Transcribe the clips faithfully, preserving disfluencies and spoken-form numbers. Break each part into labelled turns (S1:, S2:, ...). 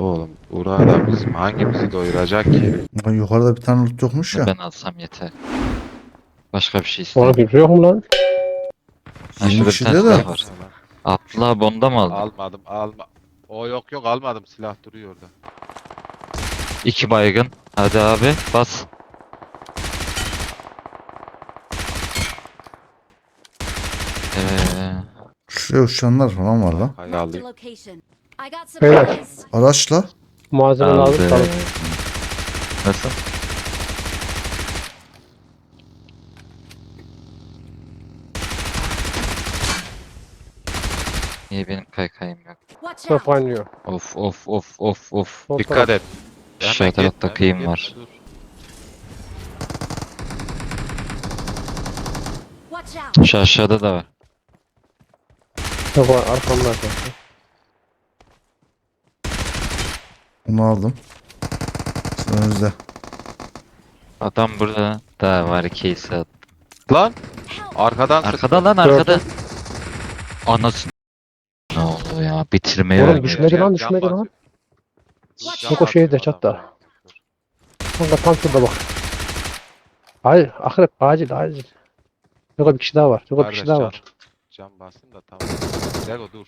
S1: Oğlum Uğur da bizim hangimizi doyuracak ki?
S2: Lan yukarıda bir tane loot yokmuş ya.
S3: Ben alsam yeter. Başka bir şey
S4: Ona
S3: istemiyorum.
S4: kimse yok mu lan?
S3: Ha,
S2: yirmi
S3: şurada bir
S2: kişi
S3: tane
S2: diyor da.
S3: silah var. Abdullah bonda mı aldın?
S1: Almadım alma. O yok yok almadım, silah duruyor orada.
S3: İki baygın. Hadi abi bas. Ee,
S2: Şuraya uçanlar falan var lan.
S1: Hay
S5: Marked a
S1: alayım.
S5: location. I got
S4: Beyler.
S5: supplies.
S2: Araçla.
S4: Malzeme
S3: aldı.
S4: lazım sana.
S3: Nasıl? Niye benim kaykayım yok?
S5: Watch
S4: Top
S5: out.
S4: oynuyor.
S3: Of of of of of.
S4: Sol
S1: Dikkat
S4: taraf.
S1: et.
S3: Aşağı
S1: Hemen
S3: tarafta
S1: gitme,
S3: kıyım
S1: gitme,
S3: var.
S1: dur.
S5: Watch out.
S3: Şu aşağıda da var.
S4: Yok var arkamda arkadaşlar.
S2: Onu aldım. Sen önünüzde.
S3: Adam burada. Daha var case at.
S1: Lan
S5: Help.
S1: arkadan
S3: Arkada lan arkada. Anasını. Ne oldu ya? Bitirmeye
S4: Oğlum
S3: oynuyor.
S4: düşmedi lan,
S1: Can
S4: düşmedi lan.
S1: basıyor.
S5: Watch
S1: Can
S4: Yok, o şeyde,
S1: basıyor
S4: çatta.
S1: adam.
S4: Kanka tam şurada bak. Hayır akrep acil acil. Yok bir kişi daha var. Yok bir
S1: Kardeş,
S4: kişi daha
S1: can-
S4: var.
S1: Can basın da tamam. Lego dur.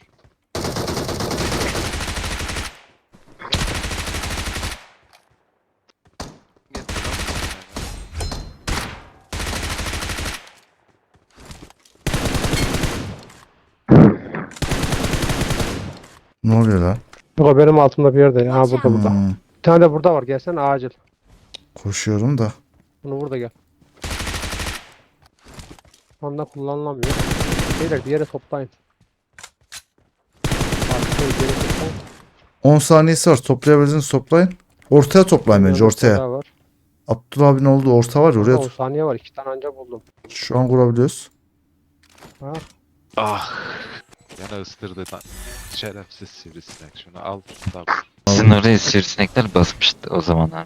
S2: Ne oluyor lan?
S4: Yok benim altımda bir yerde. Ha burada burada.
S2: Hmm,
S4: Bir tane de burada var. Gelsene acil.
S2: koşuyorum da.
S4: Bunu burada gel. Şu anda kullanılamıyor. Beyler bir yere toplayın. Artık bir yere toplayın.
S2: on saniyesi var. Toplayabildiğinizi toplayın. Ortaya toplayın bence,
S4: Yanında bir tane
S2: ortaya.
S4: daha var.
S2: Abdullah abinin olduğu orta var ya, oraya.
S4: on
S2: tut-
S4: saniye var. İki tane anca buldum.
S2: Şu an kurabiliyoruz.
S4: Ha.
S1: Ah. Gene ısırdı lan. Şerefsiz sivrisinek. Şunu al. Tamam.
S3: Sizin oraya sivrisinekler basmıştı o zaman abi.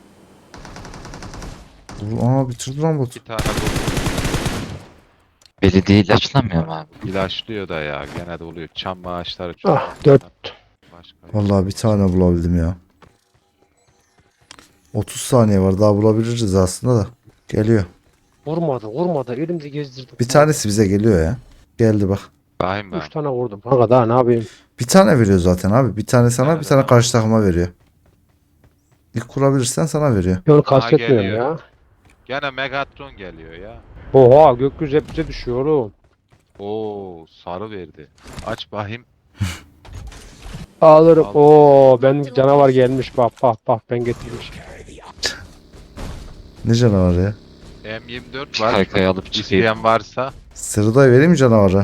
S2: Aa, bitirdi lan botu.
S1: Bir tane bu
S3: Belediye ilaçlamıyor mu abi?
S1: ilaçlıyor da ya. Gene de oluyor. Çam ağaçları çok.
S4: Ah dört.
S1: Başka yok.
S2: Vallahi bir tane bulabildim ya. otuz saniye var, daha bulabiliriz aslında da. Geliyor.
S4: Vurmadı vurmadı. Elimde gezdirdim.
S2: Bir tanesi bize geliyor ya. Geldi bak.
S1: Bakayım ben.
S4: Üç tane vurdum. Kanka daha ne yapayım?
S2: Bir tane veriyor zaten abi. Bir tane sana,
S1: Evet,
S2: bir tane
S1: evet.
S2: karşı takıma veriyor. İlk kurabilirsen sana veriyor.
S4: Onu kastetmiyorum
S1: geliyor.
S4: ya.
S1: Gene Megatron geliyor ya.
S4: Oha gökyüzü hep bize düşüyor oğlum.
S1: Oo sarı verdi. Aç bakayım.
S4: Alırım.
S1: Al.
S4: Oo benim canavar gelmiş bak bak bak ben getirmiş.
S2: Ne canavarı ya?
S1: M yirmi dört var.
S3: Kaykayı alıp çıkayım.
S1: İsteyen varsa.
S2: Sırday vereyim mi canavarı?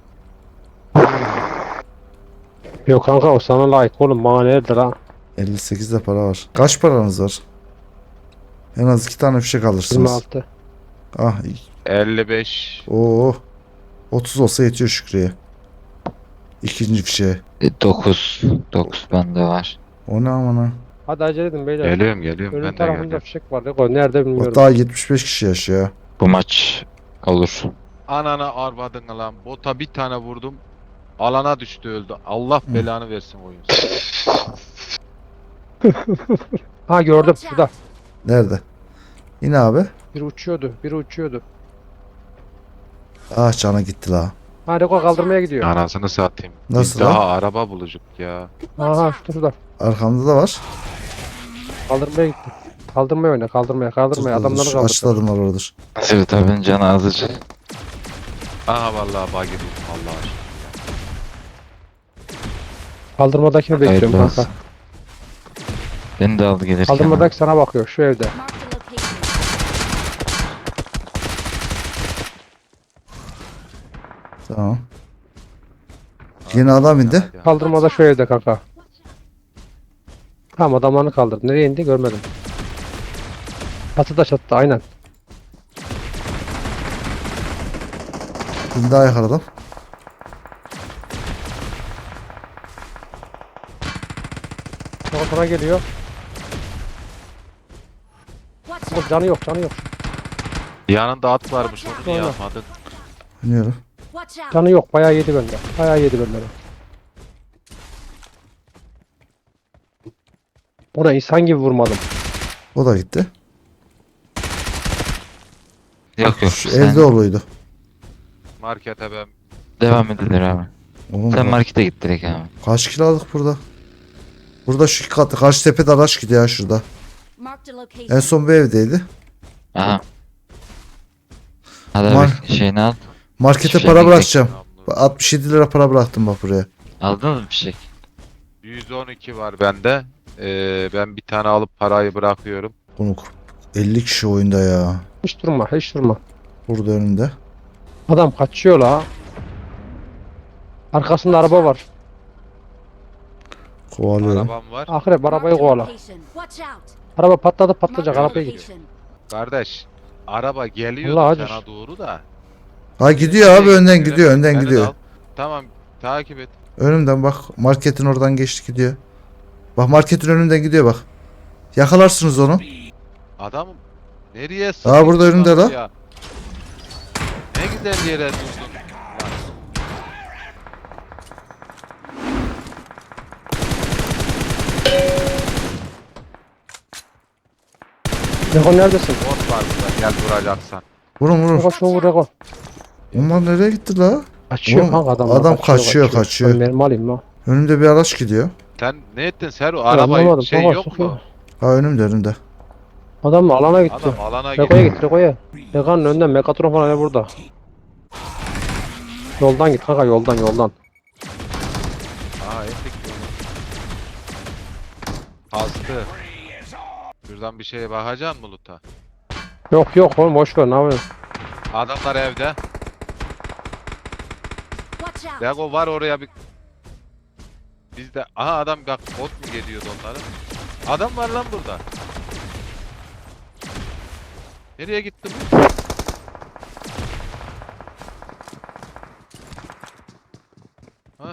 S4: Yok kanka o sana layık oğlum bana neredir ha?
S2: elli sekizde para var. Kaç paranız var? En az iki tane fişek
S4: yirmi
S2: alırsınız.
S4: altı.
S2: Ah, iyi.
S1: elli beş.
S2: Oo. otuz olsa yetiyor Şükrü'ye. İkinci fişeğe.
S3: dokuz. dokuz bende var.
S2: O ne amına?
S4: Hadi acele edin beyler.
S1: Geliyorum geliyorum.
S4: Önün
S1: Ben de
S4: tarafında
S1: geliyorum.
S4: fişek var. Yok o nerede bilmiyorum.
S2: Bak daha yetmiş beş kişi yaşıyor.
S3: Bu maç olur.
S1: Anana arvadın lan. Bota bir tane vurdum. Alana düştü öldü. Allah belanı versin oyun.
S4: Ha gördüm
S5: Watch
S4: şurada.
S5: out.
S2: Nerede? Yine abi.
S4: Biri uçuyordu. Biri uçuyordu.
S2: Ah, cana gitti la.
S4: Ha Reko kaldırmaya gidiyor.
S1: Anasını satayım. Biz
S2: Nasıl
S1: daha
S2: lan?
S1: araba bulacak ya.
S4: Aha şurada şurada.
S2: Arkamda da var.
S4: Kaldırmaya gitti. Kaldırmaya oyna kaldırmaya kaldırmaya.
S2: Dur, dur, dur.
S4: Adamları
S2: Şu
S4: kaldır.
S2: açılı adımlar oradır.
S3: Evet abinin canı azıcık.
S1: Aha vallahi bug yedim. Allah aşkına.
S4: Kaldırmadakini bekliyorum
S3: Hayırlı
S4: kanka.
S3: olsun. Beni de al gelirken.
S4: Kaldırmadaki sana bakıyor şu evde.
S5: Marked a location.
S2: Tamam. Yeni adam indi.
S1: Hadi, hadi.
S4: Kaldırmada şu evde kanka. Tamam adamlarını kaldırdı. Nereye indi görmedim. Çatıda çatıda aynen.
S2: Bir daha yakaladım.
S4: Sonra sana geliyor.
S5: Watch
S4: Ama
S5: out.
S4: canı yok canı yok.
S1: Yanında at varmış, onu niye
S4: Sonra.
S1: yapmadın?
S2: Oynuyorum.
S5: Watch out.
S4: Canı yok bayağı yedi benden. Bayağı yedi benden. Ona insan gibi vurmadım.
S2: O da gitti.
S3: Yok yok.
S2: Şu
S3: Sen
S2: evde oluydu.
S1: Markete ben
S3: devam edilir abi.
S2: Oğlum
S3: Sen
S2: bak,
S3: markete git direkt abi.
S2: kaç kilo aldık burada? Burada şu katı karşı tepede araç gidiyor ya şurada.
S5: Marked a
S2: En
S5: location.
S2: son bir evdeydi.
S3: Aha. Hadi
S2: Mar-
S3: abi şeyini al.
S2: Markete
S3: Hiçbir
S2: para
S3: şey
S2: bırakacağım.
S1: namlu.
S2: Bak, altmış yedi lira para bıraktım bak buraya.
S3: Aldınız mı fişek?
S1: yüz on iki var bende. Ee, ben bir tane alıp parayı bırakıyorum.
S2: Bunu elli kişi oyunda ya.
S4: Hiç durma, hiç durma.
S2: Burada önümde.
S4: Adam kaçıyor la. Arkasında araba var.
S2: Kovalıyorum.
S1: Arabam var.
S4: Akrep arabayı
S5: Marked a
S4: kovala.
S5: location. Watch out.
S4: Araba patladı patlayacak
S5: Marked a
S4: arabaya git.
S5: location.
S1: Kardeş, araba geliyor
S4: Allah acır.
S1: sana doğru da.
S2: Ha gidiyor abi
S1: Nereye
S2: önden
S1: gidiyor?
S2: gidiyor önden
S1: Beni de
S2: gidiyor.
S1: al. Tamam, takip et.
S2: Önümden bak marketin oradan geçti gidiyor. Bak marketin önünden gidiyor bak. Yakalarsınız onu.
S1: Adam nereye
S2: Aa, burada
S1: sıkıyorsun
S2: önümde
S1: lan
S2: lan.
S1: ya? Ne güzel yere durdun. Lan,
S4: Rego neredesin?
S1: bot var burada, gel vuracaksan.
S2: Vurun vurun.
S4: Rego şunu vur Rego.
S2: Onlar nereye gitti la?
S4: Kaçıyor
S2: Oğlum,
S4: kanka adam.
S2: adam kaçıyor, kaçıyor.
S4: Ben mermi alayım ha.
S2: Önümde bir araç gidiyor.
S1: Sen ne ettin Seru?
S4: Ya
S1: Araba
S4: anlamadım,
S1: şey
S4: kanka,
S1: yok
S4: sokuyor.
S1: mu?
S2: Ha önümde önümde.
S4: Adam alana gitti.
S1: Adam alana
S4: Rego'ya
S1: gidiyor.
S4: git Rego'ya. Rego'nun önünden Megatron falan ne burada. Yoldan git kanka yoldan yoldan.
S1: Aa ettik yolu. Kastı. Şuradan bir şeye bakacaksın mı Lut'a?
S4: Yok yok oğlum boş ver ne yapıyorsun?
S1: Adamlar evde.
S5: Watch out.
S1: Lego var oraya bir... Bizde... Aha adam bak bot mu geliyordu onların? Adam var lan burada. Nereye gitti bu? Ha?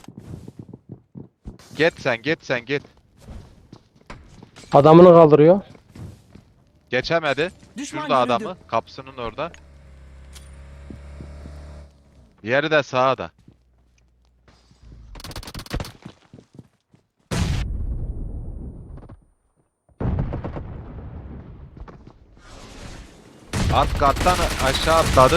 S1: Get sen, get sen, get.
S4: Adamını kaldırıyor.
S1: Geçemedi. Şurada adamı, kapısının orada. Diğeri de sağda. Alt kattan aşağı atladı.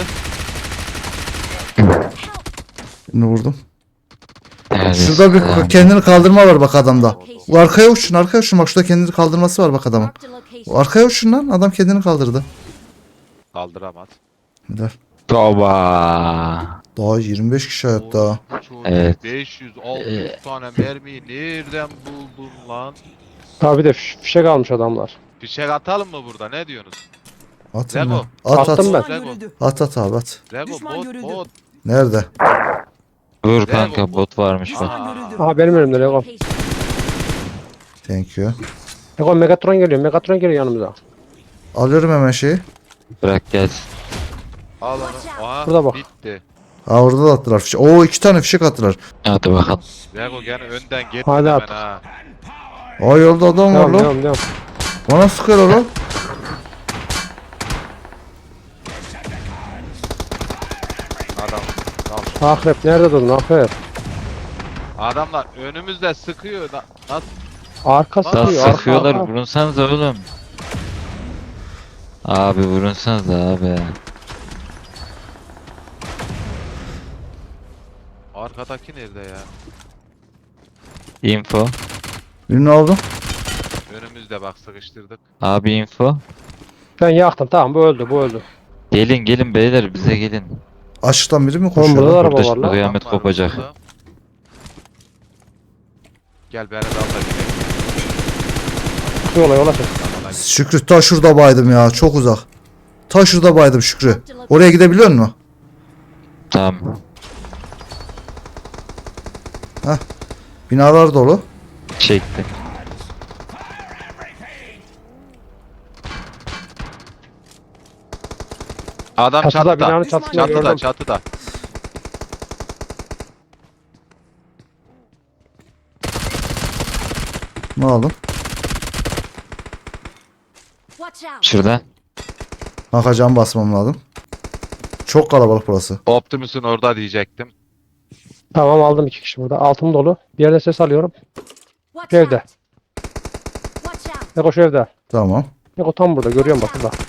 S2: Şimdi vurdum.
S3: Neredesin?
S2: Şurada bir
S3: Tamam.
S2: kendini kaldırma var bak adamda.
S5: Location.
S2: Bu arkaya uçun arkaya uçun bak şurada kendini kaldırması var bak adamın.
S5: Marked a location.
S2: O arkaya uçun lan adam kendini kaldırdı.
S1: Kaldıramaz.
S2: Gider.
S3: Toba.
S2: Daha yirmi beş kişi hayatta.
S3: Evet.
S1: beş yüz altı yüz
S3: Ee.
S1: tane mermiyi nereden buldun lan?
S4: Tabi de fiş- fişek almış adamlar.
S1: Fişek atalım mı burada? Ne diyorsunuz?
S2: Atın
S1: Rego.
S2: lan. At at.
S4: Attım ben.
S1: Rego,
S2: At at abi at.
S1: Rego
S6: Düşman
S1: bot
S6: görüldü.
S1: bot.
S2: Nerede?
S3: Vur
S1: Rego,
S3: kanka bot varmış bak.
S1: Aa,
S4: Aha benim önümde Rego.
S5: Location.
S2: Thank you.
S4: Rego Megatron geliyor Megatron geliyor yanımıza.
S2: Alıyorum hemen şeyi.
S3: Bırak gelsin.
S1: al onu. Aha,
S4: Burada bak.
S1: bitti.
S2: Ha orada da attılar fişek. Oo iki tane fişek attılar.
S3: Hadi bakalım.
S1: Rego gene önden getir
S4: Hadi
S1: hemen
S4: at.
S1: ha.
S2: Aa yolda adam var
S4: Devam
S2: lan.
S4: devam devam.
S2: Bana sıkıyorlar lan.
S1: Adam. Tamam.
S4: Akrep nerede durdun Akrep?
S1: Adamlar önümüzde sıkıyor. Na- Nasıl?
S4: Arka
S1: Daha
S3: Daha
S4: sıkıyor arka
S3: sıkıyorlar
S4: arka.
S3: vurunsanız oğlum. Abi vurunsanız abi.
S1: Arkadaki nerede ya?
S3: Info.
S2: Birini aldım.
S1: Önümüzde bak sıkıştırdık.
S3: Abi info.
S4: Ben yaktım tamam bu öldü bu öldü.
S3: Gelin gelin beyler bize gelin.
S2: Açıktan biri mi
S4: Oğlum
S2: koşuyor?
S4: burada da
S2: lan?
S4: araba
S3: Burada
S4: var lan.
S3: kıyamet
S1: Adam var
S3: kopacak.
S1: burada. Gel beni de al da gidelim.
S4: Yola yola çek.
S1: Alana git.
S2: Şükrü ta şurada baydım ya çok uzak. Ta şurada baydım Şükrü. Oraya gidebiliyor musun?
S3: Tamam.
S2: Binalar dolu.
S3: Çektim.
S1: Adam
S4: Çatıda
S1: çatıda.
S4: binanın çatısında
S1: Çatıda
S4: gördüm.
S1: çatıda.
S2: Ne aldım?
S5: Watch out.
S3: Şurada.
S2: Kanka cam basmam lazım. Çok kalabalık burası.
S1: Optimus'un orada diyecektim.
S4: Tamam aldım iki kişi burada. Altım dolu. Bir yerde ses alıyorum.
S5: Watch
S4: Evde.
S5: out.
S4: Eko şu evde.
S2: Tamam.
S4: Eko tam burada görüyorum bak burada.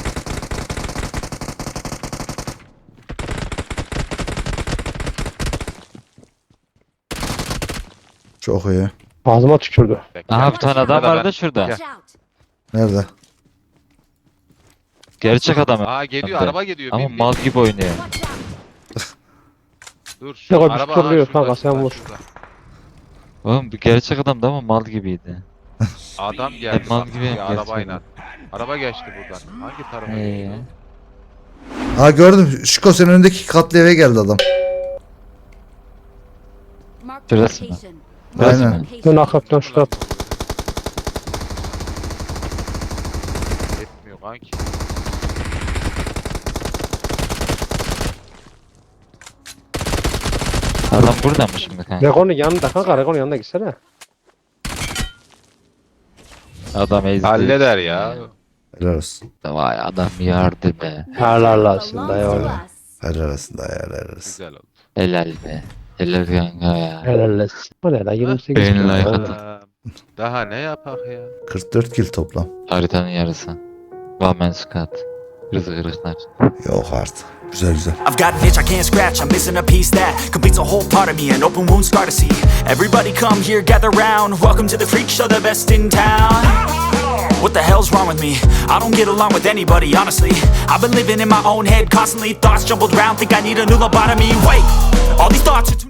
S2: Çok iyi.
S4: Ağzıma tükürdü.
S1: Bekle.
S3: Aha bir tane adam
S1: Şurada
S3: vardı
S1: ben-
S3: şurada.
S5: Watch out.
S2: Nerede?
S3: Gerçek adam.
S1: Aa geliyor,
S3: Hem de.
S1: araba geliyor.
S3: Ama
S1: bin, bin.
S3: mal gibi oynuyor.
S5: Watch out.
S1: Dur şu
S4: Yok abi,
S1: araba
S4: tutuyor
S1: aha,
S4: kanka,
S1: şurada,
S4: sen
S1: şurada,
S4: vur.
S1: şurada.
S3: Oğlum bu gerçek adamdı ama mal gibiydi.
S1: Adam geldi
S3: Hep mal
S1: bak,
S3: gibi
S1: bir
S3: gerçekten.
S1: arabayla. Araba geçti buradan. Hangi tarafa
S3: Ee,
S1: gidiyor?
S2: Ha gördüm. Şiko senin önündeki katlı eve geldi adam.
S5: Marked a
S3: Şurası mı?
S5: location.
S3: Burası
S2: Aynen.
S3: mı?
S4: Dön akrep dön şu taraf.
S1: Etmiyor kanki.
S3: Adam burada mı şimdi kanka?
S4: Regon'un yanında kanka Regon'un yanına gitsene.
S3: Adam ezdi.
S1: Halleder ya.
S2: Helal olsun.
S3: Vay adam yardı be.
S4: Helal olsun dayı
S5: Belongs to
S4: oğlum.
S5: us.
S2: Helal olsun dayı helal olsun.
S1: Güzel oldu.
S3: Helal be. Helal kanka ya.
S4: Helal olsun. O ne lan yirmi sekiz.
S3: Beğeni
S4: kilo.
S3: like
S4: Oğlum.
S3: atın.
S1: Ee, Daha ne yapak ya?
S2: kırk dört kill toplam.
S3: Haritanın yarısı. Vamen skat. Rızı kırıklar.
S2: Yok artık. Güzel güzel.
S6: I've got an itch I can't scratch, I'm missing a piece that completes a whole part of me, an open wound scar to see. Everybody come here, gather round, welcome to the freak show, the best in town. What the hell's wrong with me? I don't get along with anybody, honestly. I've been living in my own head constantly, thoughts jumbled round, think I need a new lobotomy. Wait, all these thoughts are too